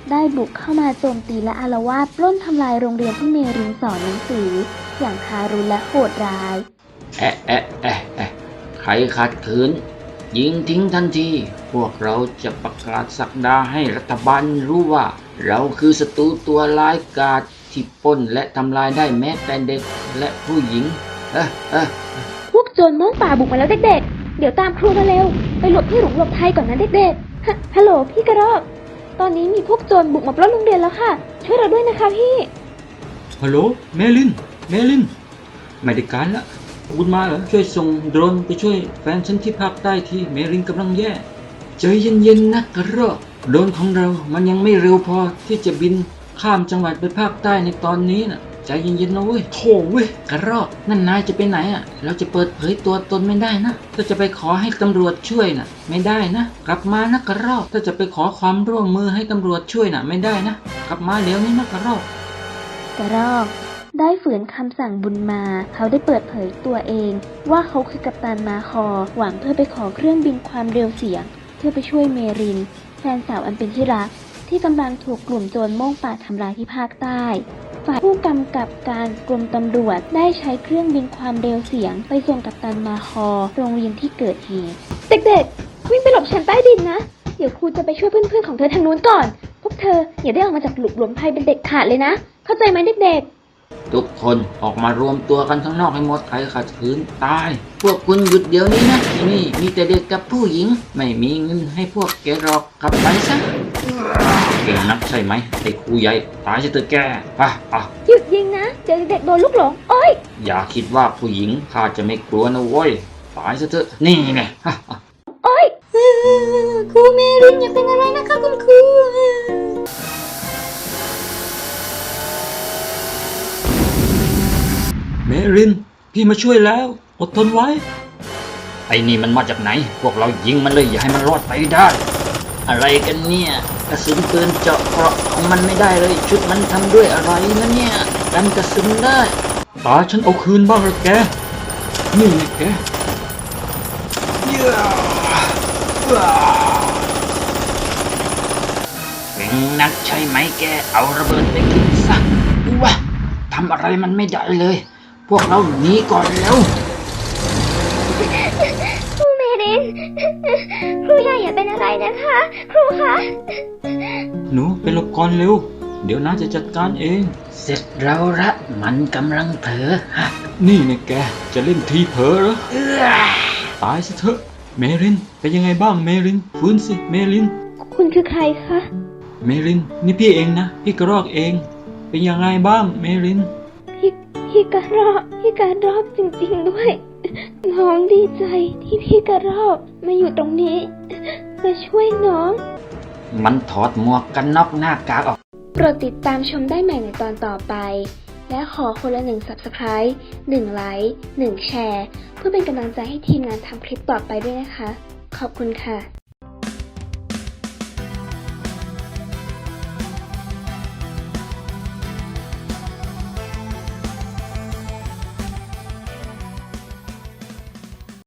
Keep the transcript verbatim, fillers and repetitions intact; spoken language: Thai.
ได้บุกเข้ามาโจมตีและอาละวาดปล้นทำลายโรงเรียนที่เมรินสอนหนังสืออย่างทารุณและโหดร้ายแอะแอะแอะแอะใครขัดขืนยิงทิ้งทันทีพวกเราจะประกาศศักดาให้รัฐบาลรู้ว่าเราคือศัตรูตัวร้ายกาจที่ปล้นและทำลายได้แม้แต่เด็กและผู้หญิงเออเออพวกโจรม่วงป่าบุกมาแล้วเด็กๆเดี๋ยวตามครูมาเร็วไปหลบที่หลุมหลบภัยก่อนนะเด็กๆฮะฮัลโหลพี่กระรอกตอนนี้มีพวกโจรบุกมาปล้นโรงเรียนแล้วค่ะช่วยเราด้วยนะคะพี่ฮัลโหลเมลินเมลินไม่ได้การละคุณมาเหรอช่วยส่งโดรนไปช่วยแฟนฉันที่ภาคใต้ที่เมลินกำลังแย่ใจเย็นๆนะกระรอกโดรนของเรามันยังไม่เร็วพอที่จะบินข้ามจังหวัดไปภาคใต้ในตอนนี้นะใจเย็นๆนะเว้ยโถเว้ยกระรอกนั่นนายจะไปไหนอ่ะเราจะเปิดเผยตัวตนไม่ได้นะถ้าจะไปขอให้ตำรวจช่วยนะไม่ได้นะกลับมานะกระรอกถ้าจะไปขอความร่วมมือให้ตำรวจช่วยนะไม่ได้นะกลับมาเดี๋ยวนี้นะกระรอกกระรอกได้ฝืนคำสั่งบุญมาเขาได้เปิดเผยตัวเองว่าเขาคือกัปตันมาคอหวังเพื่อไปขอเครื่องบินความเร็วเสียงเพื่อไปช่วยเมรินแฟนสาวอันเป็นที่รักที่กำลังถูกกลุ่มโจรม่วงป่าทำร้ายที่ภาคใต้ฝ่ายผู้กำกับการกรมตำรวจได้ใช้เครื่องบินความเร็วเสียงไปส่งกัปตันมาคอโรงเรียนที่เกิดเหตุเด็กๆวิ่งไปหลบชั้นใต้ดินนะเดี๋ยวครูจะไปช่วยเพื่อนๆของเธอทางนู้นก่อนพวกเธออย่าได้ออกมาจากหลุมหลวมภัยเป็นเด็กขาดเลยนะเข้าใจไหมเด็กๆทุกคนออกมารวมตัวกันข้างนอกให้หมดใครขัดขืนตายพวกคุณหยุดเดี๋ยวนี้นะที่นี่มีแต่เด็กกับผู้หญิงไม่มีเงินให้พวกแกหรอกกลับไปซะเก่งนักใช่ไหมไอ้ครูใหญ่ตายจะเธอแกป่ะป่ะหยุดยิงนะเดี๋ยวเด็กโดนลูกหลงโอ้ยอย่าคิดว่าผู้หญิงข้าจะไม่กลัวนะเว้ยตายซะเถอะนี่ไงฮะโอ้ยครูเมรินอย่าเป็นอะไรนะคะคุณครูเมรินพี่มาช่วยแล้วอดทนไว้ไอ้นี่มันมาจากไหนพวกเรายิงมันเลยอย่าให้มันรอดไปได้อะไรกันเนี่ยกระสุนปืนเจาะเกราะของมันไม่ได้เลยชุดมันทำด้วยอะไรนะเนี่ยกันกระสุนได้ตาฉันเอาคืนบ้างละแกนี่ไงแกเก่งนักใช่ไหมแกเอาระเบิดไปกินซะวะทำอะไรมันไม่ได้เลยพวกเราหนีก่อนแล้วครูเมรินครูใหญ่อย่าเป็นอะไรนะคะครูคะหนูไปหลบก่อนเร็วเดี๋ยวน้าจะจัดการเองเสร็จแล้วละมันกำลังเผลอฮะนี่ไงแกจะเล่นทีเผลอเหรอตายซะเถอะเมรินเป็นยังไงบ้างเมรินฟื้นสิเมรินคุณคือใครคะเมรินนี่พี่เองนะพี่กระรอกเองเป็นยังไงบ้างเมรินพี่พี่กระรอกพี่กระรอกจริงๆด้วยน้องดีใจที่พี่กระรอกมาอยู่ตรงนี้มาช่วยน้องมันถอดหมวกกันน็อกหน้ากากออกโปรดติดตามชมได้ใหม่ในตอนต่อไปและขอคนละหนึ่ง ซับสไครบ์ หนึ่ง ไลค์ หนึ่ง แชร์เพื่อเป็นกำลังใจให้ทีมงานทำคลิปต่อไปด้วยนะคะขอบคุณค่ะ